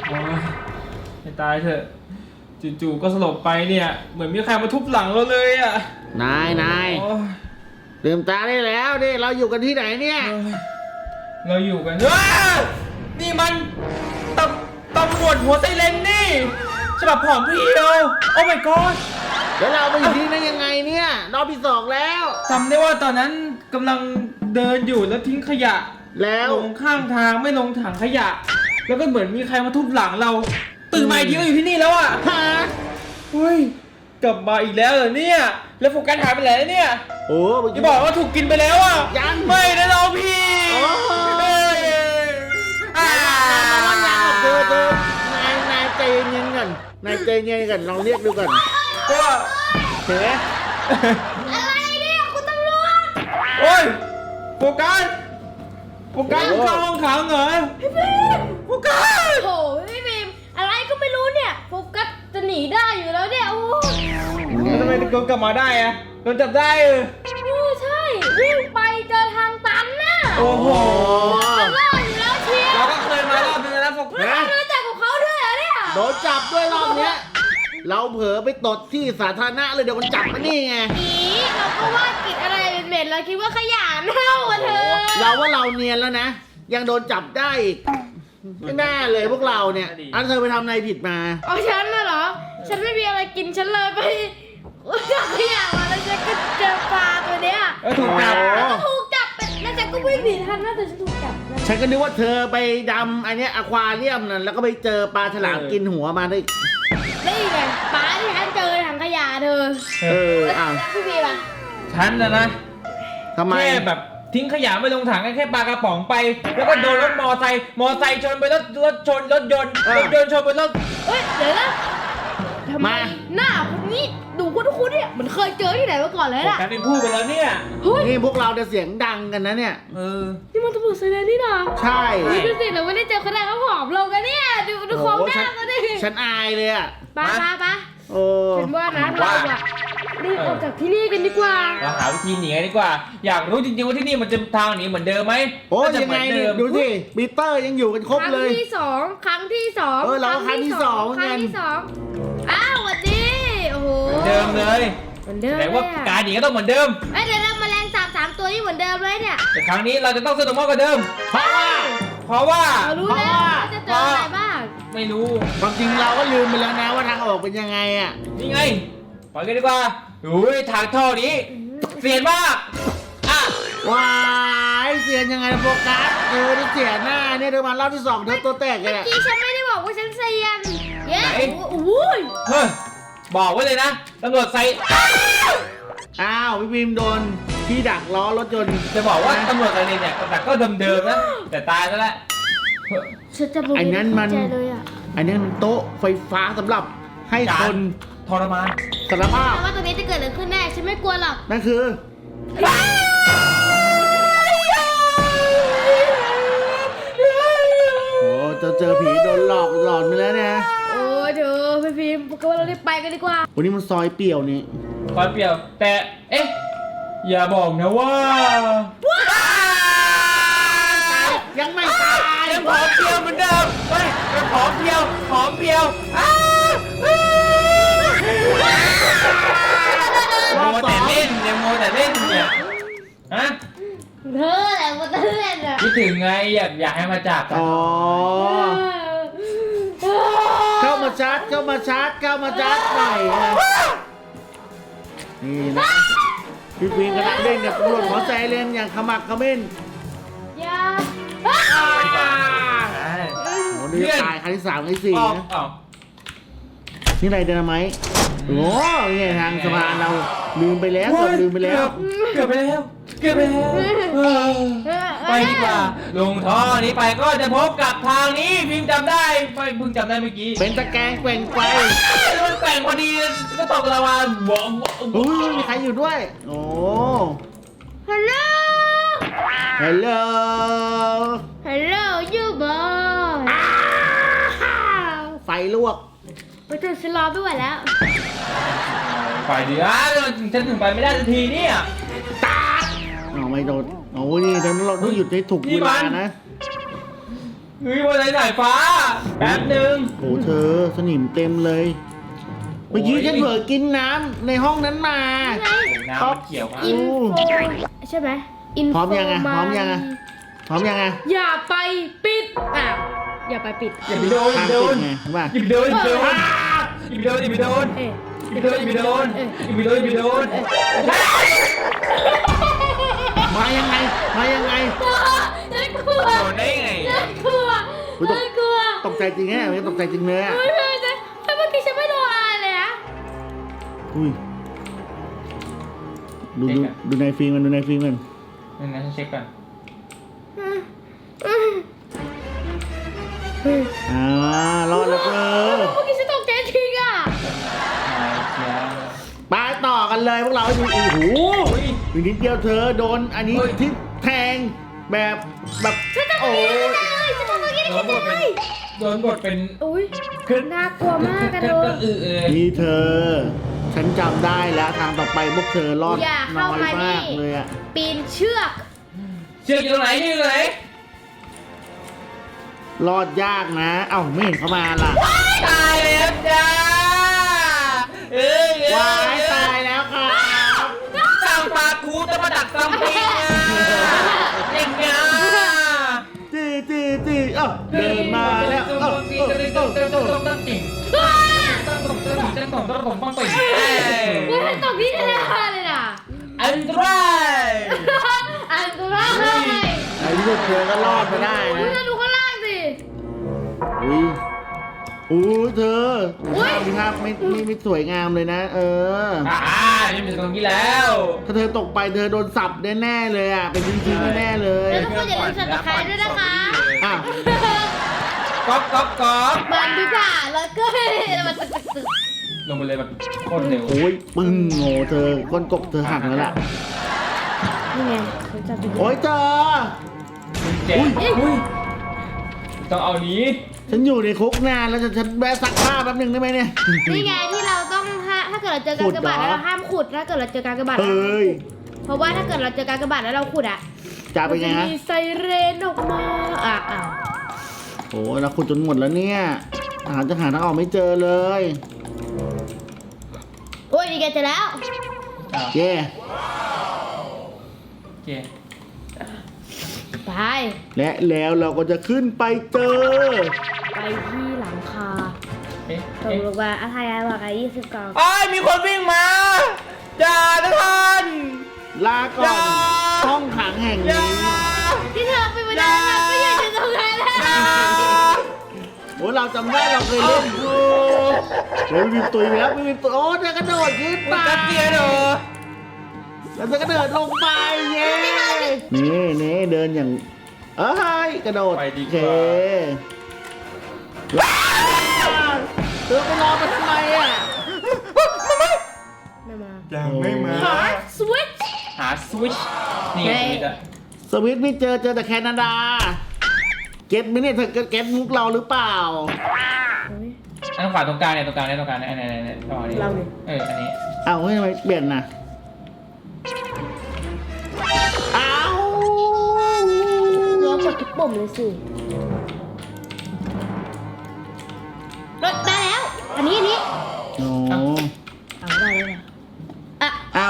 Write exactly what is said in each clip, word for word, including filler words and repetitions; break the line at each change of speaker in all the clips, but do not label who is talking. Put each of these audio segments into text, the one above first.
โอ้ยให้ตายเถอะจู่ๆก็สลบไปเนี่ยเหมือนมีใครมาทุบหลังเราเลยอ่ะ
นายนาย
โอ้ย
ลืมตาได้แล้วนี่เราอยู่กันที่ไหนเนี่ย
เราอยู่กันว้านี่มันตำตำรวจหัวไซเรนนี่ฉบับผอมเพรียวโอ้ my god
แล้วเราไปอยู่ที่นั่นยังไงเนี่ยรอบที่สองแล้ว
จำได้ว่าตอนนั้นกำลังเดินอยู่แล้วทิ้งขยะ
แล้ว
ลงข้างทางไม่ลงถังขยะ แล้วก็เหมือนมีใครมาทุบหลังเราตื่นมาอีกทีก็อยู่ที่นี่แล้วอ่ะ
ฮะ
เฮ้ยกลับมาอีกแล้วเหรอเนี่ยแล้วโฟกัสหายไปไหนแล้วเนี่ย
โอ้เมื่อ
จะ
กี้
บอกว่าถูกกินไปแล้วอ่ะ
ยัง
ไม่นะน้องพี่
โอ้
เฮ้ยอ่า
เธอเธอนายนายใจเย็นๆก่อนนายใจเย็นๆก่อนลองเรียกดูก่อน
ก็
เห็นไหม
อะไรเนี่ยคุณตำรวจ
โอ้ยโฟกัสโฟกัสเข้าห้องขังเหรอ
พี่ฟิล์ม
โฟกัส
โอ้โหพี่ฟิล์มอะไรก็ไม่รู้เนี่ยโฟกัสจะหนีได้อยู่แล้วเนี่ยโอ้
แล้วทำไมถึงกลับมาได้อะโดนจับได้เออ
โอ้ใช่วิ่งไปเจอทางตันน่ะ
โอ้โห
จะรอดอยู่แล้วเชียว
เราก็เคยมารอบนึงนะโฟกั
แล้ว
ส
เราจับกับเขาด้วยเหรอเนี่ย
โดนจับด้วยรอบเนี้ยเราเผลอไปตดที่สาธารณะเลยเดี๋ยวมันจับมานี่ไง
อีเราก็ว่ากินอะไรเหม็นๆเราคิดว่าขยะเน่าอะเธอ
เราว่าเราเนียนแล้วนะ ยังโดนจับได้อีกไม่น่าเลยพวกเราเนี่ยอันเธอไปทำอะไรผิดมา
เอาฉันน่ะเหรอฉันไม่มีอะไรกินฉันเลยไปจับขยะมาแล้วฉันก็เจอปลาตัวเนี้ย
แล้วถูกจับ
แล้วก็ถูกจับไปแล้วฉันก็วิ่งหนีทันนะแต่ฉันถูกจับนะ
ฉันก็นึกว่าเธอไปดำอันเนี้ยอควาเรียมนั่นแล้วก็ไปเจอปลาฉลามกินหัวมาได้
นี่ไงปลาที่ฉันเจอถังขยะเธอ
เอออ้าว
พี่บีป่ะ
ฉันนะนะ
ทำไม
แค่แบบทิ้งขยะไม่ลงถังแค่ปลากระป๋องไป แล้วก็โดนรถมอไซค์มอไซค์ชนไปรถรถชนรถยนต์รถยนต์ชนไปรถ
เฮ้ยเดี๋ยวนะทำไมหน้าคนนี้ดูคุ้นๆเนี่ยเหมือนเคยเจอที่ไหนมาก่อนเลยน่ะ
กลายเป็นผู้ไปแล้วเนี่ย
เฮ้ย
นี่พวกเราจะเสียงดังกันนะเนี่ย
เออ
นี่มันตำรวจไซเรนนี่นะ
ใช่
นี่ดูสิเราไม่ได้เจอเขาได้เขาผอมลงกันเนี่ยดูดู
โอ้
โครง
โห
หน้า
ฉัน
เขาดิ
ฉันอายเลยอ่ะ
ปะปะปะ
โอ้
ฉันว่านะเราอะรีบออกจากที่นี่กันดีกว่า
เราหาวิธีหนีกันดีกว่า อยากรู้จริงๆว่าที่นี่มันจะทางหนีเหมือนเดิมไหม
โอ้
น่าจะ
ยัง
เหมื
ไง
อน
เนี่
เดิ
ย
ม
ดูสิปีเตอร์ยังอยู่กันครบ
ครั้ง
เลย
ที่สองครั้งที่สอง
เออเราก็ครั้งที่สอง
ครั้ง
เหมือนกัน
ที่สองอ้าวสวัสดีโอ้โห
เหมือนเดิมเลย
เหมือนเดิม
แต่ว่า
เลยอะ
การหนีก็ต้องเหมือนเดิม
เอ้ยเดี๋ยวเราแมลงสาบสามตัวนี่เหมือนเดิมเลยเนี่ย
แต่ครั้งนี้เราจะต้องสนุกมากกว่าเดิม
เพราะว่า
เพราะว่า
เรารู้แล้วว่าจะเจออะไรบ้าง
ไม่รู้
ความจริงเราก็ลืมไปแล้วนะว่าทางออกเป็นยังไงอ่ะ
นี่ไงปล่อยกันดีกว่าอุ้ยทางท่อนี้เสียนมากอ่ะ
ว้ายเสียนยังไงโฟกัสเธอได้เสียหน้าเนี่ยเธอมารอบที่สองเธอตัวแตกเลย
เมื่อ
อะ
กี้ฉันไม่ได้บอกว่าฉันเซียนเย้
ไหน
โอ้โห
เฮ้ยบอกไว้เลยนะตำรวจใส่
อ้าวพี่พิมโดนที่ดักล้อรถยนต์
จะบอกว่าตำรวจอะไรเนี่ยแต่ก็เดิมๆนะแต่ตายซะแล้ว
ฉันจะบอก
ไอ้นั้นมัน
ใจเลยอะ
อันนี้มันโต๊ะไฟฟ้าสำหรับให้คน
ทรมาน
สารภาพ
แต่ว่าตรงนี้จะเกิดอะไรขึ้นแน่ฉันไม่กลัวหรอก
นั่นคือ โอ้เจอเจอผีโดนหลอกหลอนไปแล้วเนี่ย
โอ้ยเธอพี่ฟิล์มก็ว่าเราได้ไปกันดีกว่า
วันนี้มันซอยเปี่ยวนี่
คอยเปรียว แต่เอ๊ะอย่าบอกนะว่า
ยังไม่ตาย
ยังผอมเพรียวเหมือนเดิมเฮ้ยยังผอมเพรียวผอมเพรียวอ้าวโมแต่เล่นยังโมแต่เล่นเนี่ยฮะ
เธอแหละมาเตือนอะ
คิดถึงไงอยากอยากให้มาจับกัน
อ๋อเข้ามาชาร์จเข้ามาชาร์จเข้ามาชาร์จหน่อยนะนี่นะพี่พิงกำลังเล่นกับตำรวจหัวใจเล่นอย่างขมักเขม้น
อย่า
ใช่
โอ้นี่ตายครั้งที่สามครั้งที่สี่
ออก
นะ
ออก
นี่อะไรเดนาไมต์โอ้นี่ทางสะพานเราลืมไปแล้วเกือบลืมไปแล้ว
เกือบไปแล้วเกือบไปแล้วเออไปดีกว่าลงท่อนี้ไปก็จะพบกับทางนี้พิมพ์จำได้ไม่เพิ่งจำได้เมื่อกี้
เป็นตะแกรงแกว่งไป
แล้วมันแกว่งพอดีก็ตกละวันบวม
โอ้ยมีใครอยู่ด้วย โอ้
ฮัลโหล
ฮัลโหล
ฮัลโหลยูบอย
ไฟลวก
ไปถึงฉันรอไม่ไหวแล้ว
ไปดีอ่ะฉันถึงไปไม่ได้ทันทีเนี่ย
อ๋อไม่โดนโอ้ยนี่เราต้องหยุดให้ถูกเวลานะ
เฮ้ยวันไหนสายฟ้าแป๊บหนึ่ง
โหเธอสนิมเต็มเลย เมื่อกี้ฉันเผลอกินน้ำในห้องนั้นมา
ไง
น้ำมันเกี่ยวครับ
อินโฟใช่ไหมอินโฟ
พร้อมยังไงพร้อมยังไง พร้อมยังไง
อย่าไปปิดอ่ะอย่าไปปิด
อย่าไปโดนอย่า
ทาง
ไปโด
ติ
น
ดไงเห็นป่ะ
อย่าไปโดนอย่าไปโดนอย่าไปโดนอย่าไปโดน
เอ๊ะ
อย่าไปโดนอย่าไปโดนอย่าไปโดนอย่าไปโดน
มายังไง มายังไง
น่ากลัว
โดนได้ไง
น่ากลัว
อุ๊ยตก
น่ากลัว
ตกใจจริงแน่ไม่ตกใจจริงเลยอ่ะ
เฮ้ยเฮ้ยแต่แต่เมื่อกี้ฉันไม่โดนอะไรเลยนะ
อุ้ยดูดูดูในฟิล์มมันดูในฟิล์มมัน
นี่นะฉันเช็คก่อน
อืมอืมเฮ้ย
อ่ารอดแล้วเธอ
เมื่อกี้ฉันตกใจจริงอ่ะ
มาเชียร์
ไปต่อกันเลยพวกเราดูโอ้โห
โอ้ย
อีกนิดเดียวเธอโดนอันนี้
เฮ้ย
ทิ่แทงแบบแบบ
ฉันทำ
โอ้
เมื่อกี้
ย
ได้ฉันทำเมื่อกี้
โด
ได้
น
ฉัน
บท
ได้
เป็นโดนบทเป็น
อุ้ยน่ากลัวมากกัน
ก็
เล
ก็
ย
อือเออ
นี่เธอ ฉันจำได้แล้วทางต่อไปพวกเธอรอด
อย่า
น้
เข้า
อย
มานี่
มากเลยอะ
ปีนเชือก
เชือกอยู่ตรงไหนอยู่ตรงไหน
รอดยากนะ เอ้าไม่เห็นเขามาล่ะ
ตายแล้วจ้าเอ้ยเอ้
ว้าย
ย
ตายแล้วครับ
สร้างปลาคูจะมาดักซัมปิงอ่ะเด็กงา
จีจีจีเอ้าเดินมาแล้วเอ้าเอ้าเอ้าเอ้า
ต้องต้องต้องติ่งต้องต้องต้องต้องต้องต้องต้องติ่ง
อุ้ยฉันตกที่ธนาคารเลยน่ะ
อันตราย
อันตราย
ไอ้ที่สุดเธอก็รอดมาได้
อุ้ย
นะ
มาดูข้างล่างสิ
อุ้ยอุ้ยเธอ
อุ๊ย
ภาพไม่ไม่ไม่สวยงามเลยนะ เออ
อ่านี่เป็นตรงนี้แล้ว
ถ้าเธอตกไปเธอโดนสับแน่ๆเลยอ่ะ เป็นชิ้นๆแน่ๆเลย
แล้วทุกคนอย่าลืมสับตะไคร้ด้วยนะคะ
อ่ะ
ก๊อกก๊อกก๊อก
มันดีกว่าแล้วก็มันตึกตึกตึก
ลงไปเลยแบบโคตรเร็ว
โอ้ยปึ้งโง่เธอก้นกบเธอหักแล้วล่ะ
นี่ไงฉันจะไปดู
โอ้ยเธอ
เจ็บอุ้ยต้องเอานี้
ฉันอยู่ในคุกนานแล้วจะฉันแวะซักผ้าแป๊บหนึงได้ไหมเนี่ย
นี่ไงที่เราต้องถ้าถ้าเกิดเราเจอการกระบาด
ขุดเหรอ
แล้วเราห้ามขุดถ้าเกิดเราเจอการกระบาด
เฮ้ย
เพราะว่าถ้าเกิดเราเจอการกระบาดแล้วเราขุดอ่ะ
จะเป็นไง
มั
ฮะ
จะมีไซเรนออกมาอ่ะอ่ะ
โอ้ยเราขุดจนหมดแล้วเนี่ยหาจะหาทางออกไม่เจอเลย
โอ้ยนี่แกเจอแล้ว
เย่
โอเค
ไป
และแล้วเราก็จะขึ้นไปเจอ
ไปที่หลังคา
เอ๊ะ
ตกลงมาอาทายายบอกไอ้ยี่สิบกล่อง
อ้ยมีคนวิ่งมาอย่าทุกคน
ลาก่อนห้องขังแห่ง
อย่า
นี้
ที่เธอไปวันนั้นเราก็อยู่ตรงนั้นแหละ
โอ้เราจำได้เราเคยเล่นอยู่โอ้ยมีตุยไปแล้วมีตุยโอ้เธอกระโดดขึ้นไป
มันกัดเกียร์เหรอ
แล้วเธอกระโดดลงไปเย้นี่นี่เดินอย่างเอ้ยกระโดด
ไปดี
โอก เค
ว่า
ว้าวเธอไปรอมาทำไมอ่ะ
ไม่มา
ยังไม่มา
ฮาร์ดสวิตช์
หาสวิตช์นี่
เฮ้
ส
ย
วิตช์อะ
สวิตไม่เจอเจอแต่แคนาดา เก็ตไหมเนี่ยเธอเก็ตมุกเราหรือเปล่า
อันขวาตรงกลางเนี่ยตรงกลางเนี่ยตรงกลางเนี่ยอันไหนอันไหนอันไหนตรงนี้
เราดิ
เอออันนี้
เอ้าเฮ้ยทำไมเปลี่ยนน่ะเอ้า
เรากดทุกปุ่มเลยสิรถได้แล้ว อันนี้อันนี้
โอ้
เอาได้แล้วนะอ่ะ
เอ้า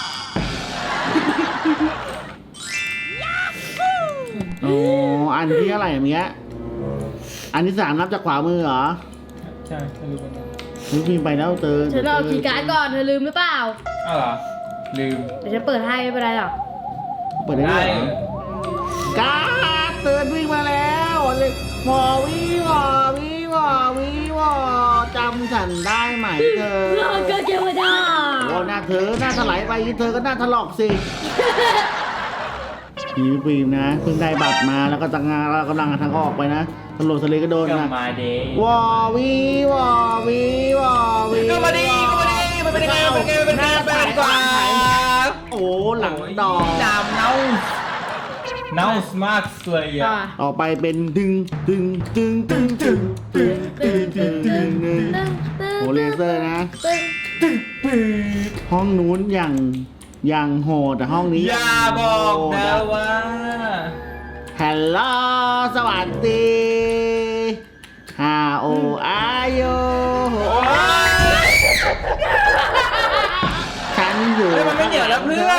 โอ้อันที่เท่าไหร่เนี้ยอันที่สามนับจากขวามือเหรอ
ใช่ไม่รู้เหมือนกัน
เฮ้ยพิมพ์ไปแล้วเจอ
เธอเอาคีย์การ์ดก่อนเธอลืมหรือเปล่า
อ้าวเหรอลืม
เดี๋ยวฉันเปิดให้ไม่เป็นไรหรอก
เปิดได้
ได้
ด้วยเหรอการ์ดเตือนวิ่งมาแล้วเลยหมอวิวอวิวอวิวอจำฉันได้ไหมเธอ
เราก็เกวดา
โอ้หน้าเธอหน้าถลายไปเธอก็หน้าถลอกสิพี่ฟิล์มนะเพิ่งได้บัตรมาแล้วก็ตั้งงานแล้วกำลังหาทางออกไปนะตำรวจทะเลก็โดน
ก็
นะ
มาเดย์
วอวีวอวีวอวี
ก็มาดีก็มาดีมันเป็นยังไงมันเป็นยังไงมันเป็นยังไงมันเป็นยังไง
โอ้หลังดอก
ดามเน่าเน่ามากเลยอ่ะ
อ่ะ
ออกไปเป็นดึงดึงดึงดึงดึงดึงดึงดึงดึงดึงโอ้เลเซอร์นะ
ตึ้ง
ห้องนู้นอย่างอย่างโหดแต่ห้องนี้
อย่าบอกนะว่า
ฮัลโหลสวัสดีหาอาโยฉันอยู่
เฮ้ยมันไม่เหนียวแล้วเพื่อน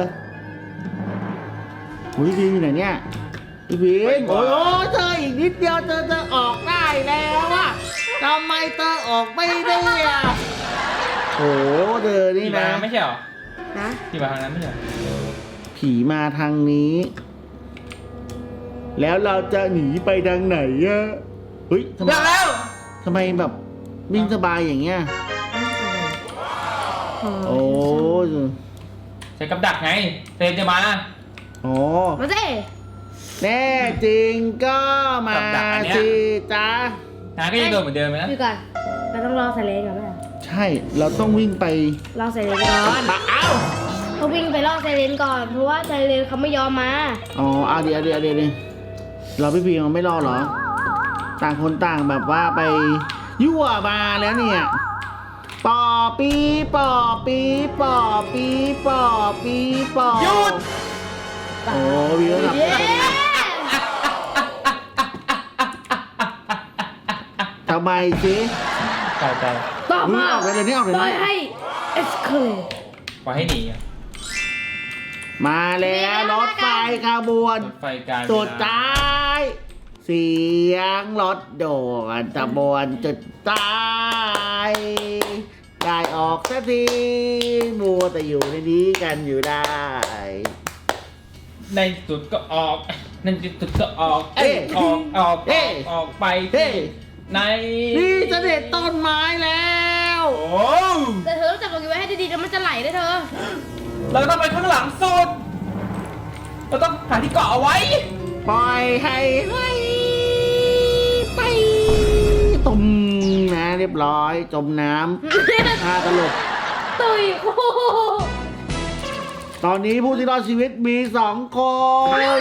อุ้ยพี่อยู่ไหนเนี่ยพี่พิ
ไป
ม
ก่
โอ้
อน
ยโอ้ยเธออีกนิดเดียวเธอจะออกได้แล้วอะทำไมเธอออกไม่ได้อะโอ้เธอนี่
ที่มา
นะ
ไม่ใช่เหรอ
นะ
ที่มาทางนั้นไม่ใช่เหรอ
ผีมาทางนี้ แล้วเราจะหนีไปทางไหนอะเฮ้ยทำไม
ได้แล้ว
ทำไมแบบวิ่งสบายอย่างเงี้ยโอ้
ใช้กับดักไงเซนจะมา
โอ้
มาสิ
แน่จริงก็มา
กับดักอันเนี้ย
สิจ้า
หาก็ยังโดนเหมือนเดิมไหมนะ
อยู่ก่อนเราต้องรอไซเรนก่อนไหม
ใช่เราต้องวิ่งไป
รอไซเรนก่อน
เอ้า
เขาวิ่งไปรอไซเรนก่อนเพราะว่าไซเรนเขาไม่ยอมมา
อ๋อเอาเดี๋ยวเดี๋ยวเดี๋ยวเดี๋ยวเราพี่พีมันไม่รอเหรอ ต่างคนต่างแบบว่าไปยั่วมาแล้วเนี่ยปอปีปอปีปอปีปอปีปอ
หยุด
โอ้วิวหลับ
เย้
ทำไมสิ
ตายตาย
ต่อ
อุ๊ย
มา
ออกไปเลยนี่ออกไป
ปล่อย
เลย
ให้เอสเคล
ปล่อยให้หนีอะ
มาแล้วรถไฟขบวน
รถไฟการ
สุด
เวลา
ท้ายเสียงรถโดดตะบวนจุดตายได้ออกสักทีมัวแต่อยู่ในนี้กันอยู่ได้
ในสุดก็ออกในสุดก็ออก
เอ๊ะ
ออกออกอ
เอ๊ะ
อกออกไป
เฮ้ย
ใน
นี่เสด็จต้นไม้แล้ว
โอ้
แต่เธอต้องจับตรงนี้ไว้ให้ดีๆแล้วมันจะไหลได้เธอ
เราต้องไปข้างหลังสุดเราต้องหาที่เกาะเอาไว้
ปล่อยให้ไหลไปตุ่มนะเรียบร้อยจมน้ำ ท่าตลก
ตุยโอ้โห
ตอนนี้ผู้ที่รอดชีวิตมีสองคน
รอด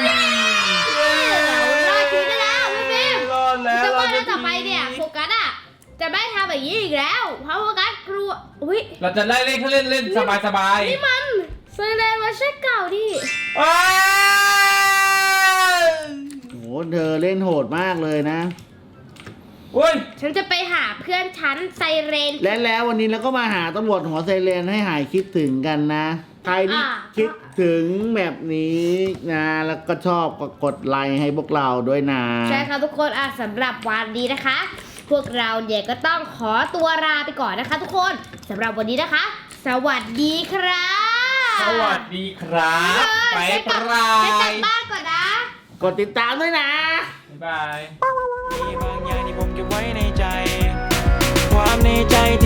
ชีวิตได้แล้วพี่พิม
รอดแล้ว
จะว่า
เรา
แล้วต่อไปเนี่ยโฟกัสอ่ะจะไม่ทำแบบนี้อีกแล้วเพราะโฟกัสกลัวอุ้ย
เราจะไล่เล่นเขาเล่นเล่นสบายสบาย
นี่มันไซเรนเวอร์ชันเก่าดิ
ว้าว
โหเธอเล่นโหดมากเลยนะ
อุ้ย
ฉันจะไปหาเพื่อนฉันไซเรน
และแล้ววันนี้เราก็มาหาตำรวจหัวไซเรนให้หายคิดถึงกันนะ ใครที่
อ่า
คิดถึงแบบนี้นะ แล้วก็ชอบก็กดไลค์ให้พวกเราด้วยนะ
ใช่ค่ะทุกคนอ่ะสำหรับวันนี้นะคะ พวกเราเนี่ยก็ต้องขอตัวลาไปก่อนนะคะ ทุกคนสำหรับวันนี้นะคะ สวัสดีครับ
สวัสดีครับไป
ฉัน
ป
กลับ
ลา
ฉันกลั
ย
บบ้านก่อนนะ
กดติดตามด้วยนะ
บ๊ายบาย
มีบางอย่างที่ผมเก็บไว้ในใจ ความในใจ